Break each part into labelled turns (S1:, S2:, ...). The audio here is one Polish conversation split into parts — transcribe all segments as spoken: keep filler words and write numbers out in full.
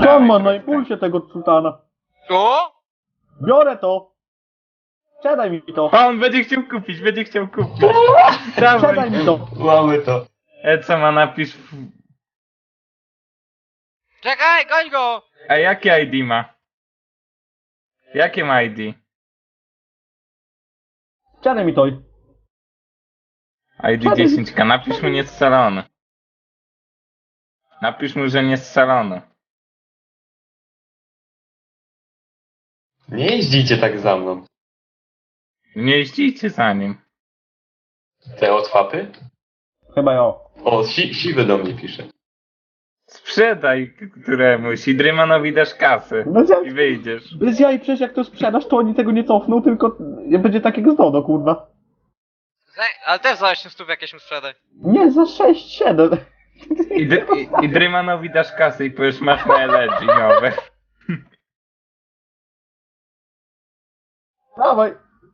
S1: Co on ma na
S2: trochę.
S1: impulsie tego sultana?
S3: O!
S1: Biorę to! Sprzedaj mi to!
S2: O, on będzie chciał kupić, będzie chciał kupić. Dawaj.
S1: Sprzedaj mi to!
S4: Mamy to.
S2: E, co ma napisz? w-
S3: Czekaj, goń go!
S2: A jakie I D ma? Jakie ma I D?
S1: Sprzedaj mi to!
S2: I D dziesięć K, napisz mu niescalony. Napisz mu, że niescalony.
S4: Nie jeździcie tak za mną.
S2: Nie jeździcie za nim.
S4: Te otwapy?
S1: Chyba ja.
S4: O, si siwy do mnie pisze.
S2: Sprzedaj któremuś i Drymanowi dasz kasę.
S1: Bez jaj,
S2: I wyjdziesz.
S1: bez jaj, przecież jak to sprzedasz, to oni tego nie cofną, tylko będzie tak jak z Dodo, kurwa.
S3: Zaj- Ale też za osiem stów jakieś mu sprzedaj.
S1: Nie, za sześć, siedem.
S2: I, dr i, i Drymanowi dasz kasę i powiesz, masz na L G nowe.
S1: Dawaj.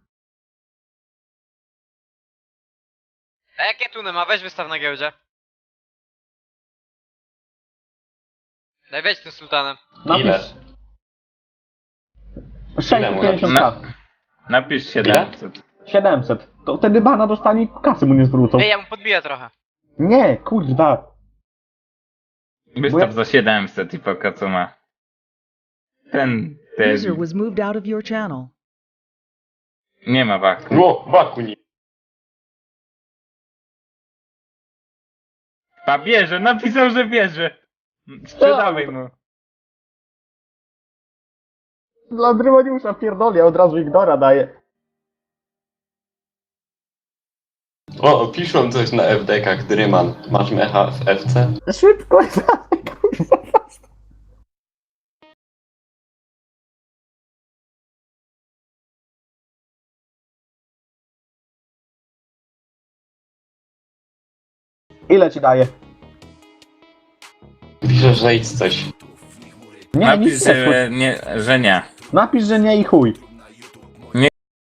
S3: A jakie tuny ma? Weź wystaw na giełdzie. Daj weź tym sultanem.
S4: Ile?
S1: Napisz sześćset pięćdziesiąt
S2: Na,
S1: k.
S2: napisz siedemset.
S1: siedemset. To wtedy bana dostanie i kasy mu nie zwrócą.
S3: Ej, ja mu podbiję trochę.
S1: Nie, kurwa.
S2: Wystaw za siedemset i poka co ma. Ten, ten,
S5: User was moved out of your channel.
S2: nie ma waku.
S4: No, waku nie.
S2: A bierze, napisał, że bierze. Sprzedawaj mu.
S1: Dla Drymoniusza pierdoli, a od razu Ignora daje.
S4: O, piszą coś na F D kach, Dryman. Masz mecha w F C?
S1: Szybko, kurwa. Ile ci daje?
S4: Pisze, że idź coś.
S1: Nie,
S2: Napisz,
S1: nic nie.
S2: że nie, że nie.
S1: Napisz, że nie i chuj.
S2: Nie.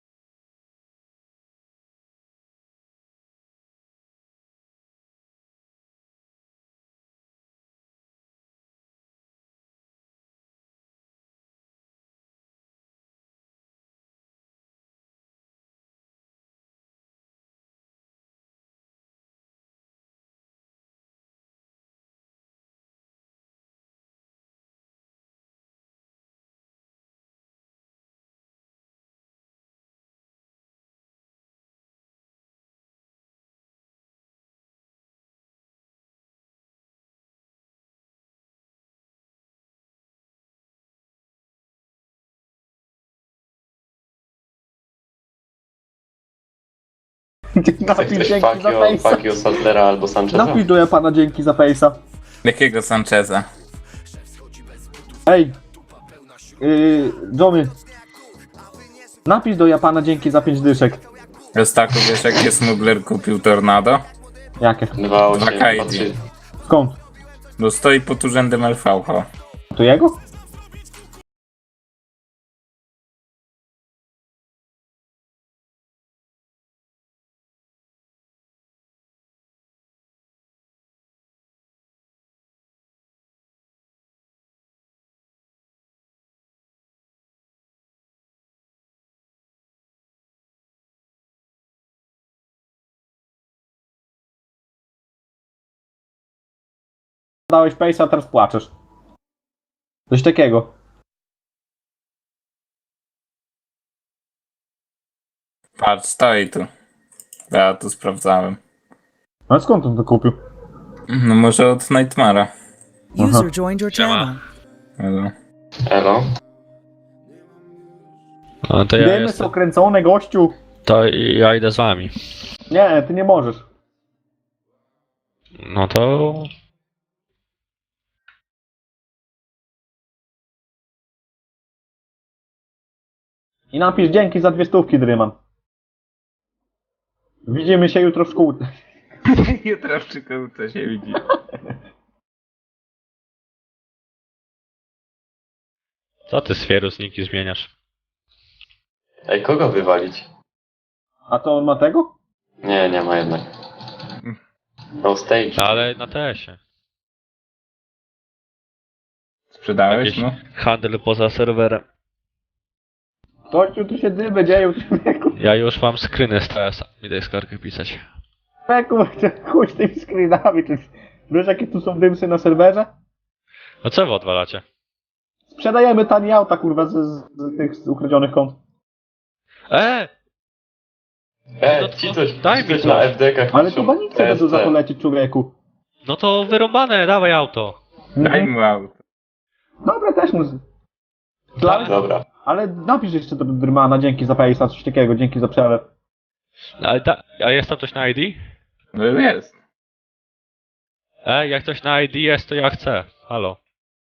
S1: Napisz
S4: Chcesz
S1: dzięki za
S4: Fakio,
S1: fejsa.
S4: Fakio Sadlera albo Sancheza?
S1: Napisz do Japana dzięki za fejsa.
S2: Jakiego Sancheza?
S1: Ej. Yy, Johnny. Napisz do Japana dzięki za pięć dyszek.
S2: Rostaku, wiesz jakie smuggler kupił Tornado?
S1: Jakie?
S4: dwa osiem,
S2: Dwa K I D.
S4: dwa trzy.
S1: Skąd?
S2: Bo stoi pod urzędem L V H.
S1: To jego? Dałeś fejsa, a teraz płaczesz. Coś takiego.
S2: Patrz, stoi tu. Ja tu sprawdzałem.
S1: Ale skąd on to kupił?
S2: No może od Nightmara.
S5: User joined your channel.
S2: Ale...
S4: Elo?
S6: No to ja
S1: Wiemy,
S6: jestem.
S1: są kręcone, gościu.
S6: To ja idę z wami.
S1: Nie, ty nie możesz.
S6: No to.
S1: I napisz dzięki za dwie stówki, Dryman. Widzimy się jutro w szkółce.
S2: Jutro w szkółce się widzi.
S6: Co ty z niki zmieniasz?
S4: Ej, kogo wywalić?
S1: A to on ma tego?
S4: Nie, nie ma jednak. No stage.
S6: Ale na T S ie.
S2: Sprzedałeś
S6: Jakiś
S2: mu?
S6: handel poza serwerem.
S1: Kościół, tu się dymy dzieją, człowieku.
S6: Ja już mam screeny z T S-a. Idę skargę pisać.
S1: Człowieku, chuj z tymi screenami. Czy... Wiesz, jakie tu są dymsy na serwerze?
S6: No co wy odwalacie?
S1: Sprzedajemy tanie auta, kurwa, z, z, z tych z ukradzionych kont.
S6: E!
S4: E,
S6: No to
S4: ci coś,
S6: daj
S4: ci
S6: mi
S4: coś
S6: to.
S4: na F D kach
S1: Ale
S4: piszą.
S1: tu banice będą za to
S4: T S T.
S1: lecieć, człowieku.
S6: No to wyrąbane, dawaj auto.
S2: Daj mu auto.
S1: Dobra, też mu... z- Dla...
S4: Dobra.
S1: Ale napisz jeszcze do Drymana, dzięki za Face'a, coś takiego, dzięki za przelew.
S6: Ale da, a jest tam coś na I D?
S2: No jest.
S6: E, jak coś na I D jest, to ja chcę. Halo.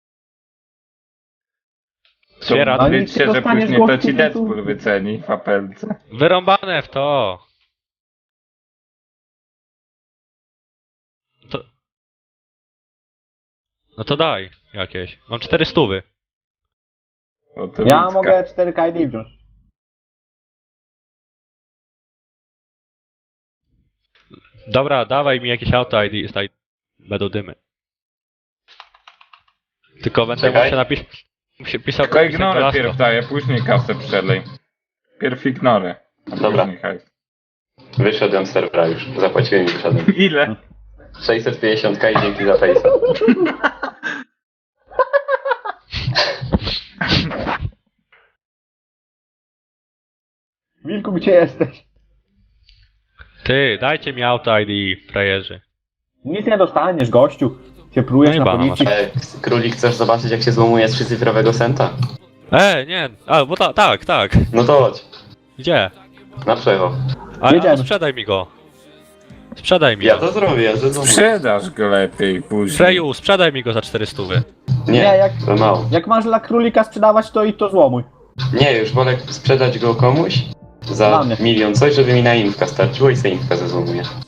S6: Zbiera-
S1: No
S2: Wiedz
S1: nic
S2: się,
S1: nie
S2: że
S1: dostaniesz
S2: później to
S1: gościu,
S2: ci
S1: tu-
S2: Deadpool wyceni w apelce.
S6: Wyrąbane w to. to. No to daj jakieś. Mam cztery stówy.
S2: O, to
S1: Ja
S2: ludzka.
S1: mogę cztery K I D wziąć.
S6: Dobra, dawaj mi jakieś auto I D, staj. Będą dymy. Tylko będę
S4: Czekaj.
S6: musiał napisać. Muszę pisał
S2: Tylko
S6: napisać
S2: ignorę
S6: Velasco.
S2: pierw daję, później kasę przelej. Pierw ignorę. a
S4: Dobra.
S2: później hajs.
S4: Wyszedłem z serwera już. Zapłaciłem i wyszedłem.
S2: Ile?
S4: sześćset pięćdziesiąt K i dzięki za Face'a.
S1: Wilku, gdzie jesteś?
S6: Ty, dajcie mi auto I D, frajerzy.
S1: Nic nie dostaniesz, gościu. Się prujesz
S6: No i
S1: na
S6: bana
S1: policji.
S4: E, Królik, chcesz zobaczyć jak się złomuje z trzycyfrowego senta?
S6: E, nie, a, bo ta, tak, tak.
S4: No to chodź.
S6: Gdzie?
S4: Na przecho.
S6: A, a
S1: Jedziemy.
S6: no sprzedaj mi go. Sprzedaj mi
S4: Ja
S6: go.
S4: to zrobię, ja to zrobię.
S2: Sprzedasz go lepiej później.
S6: Freju, sprzedaj mi go za cztery stówy.
S4: Nie,
S1: Nie, jak-
S4: to mało.
S1: Jak masz dla królika sprzedawać, to i to złomuj.
S4: Nie, już wolę sprzedać go komuś
S1: Dla
S4: za
S1: mnie.
S4: milion coś, żeby mi na infka starczyło i sobie infka zezłomuję.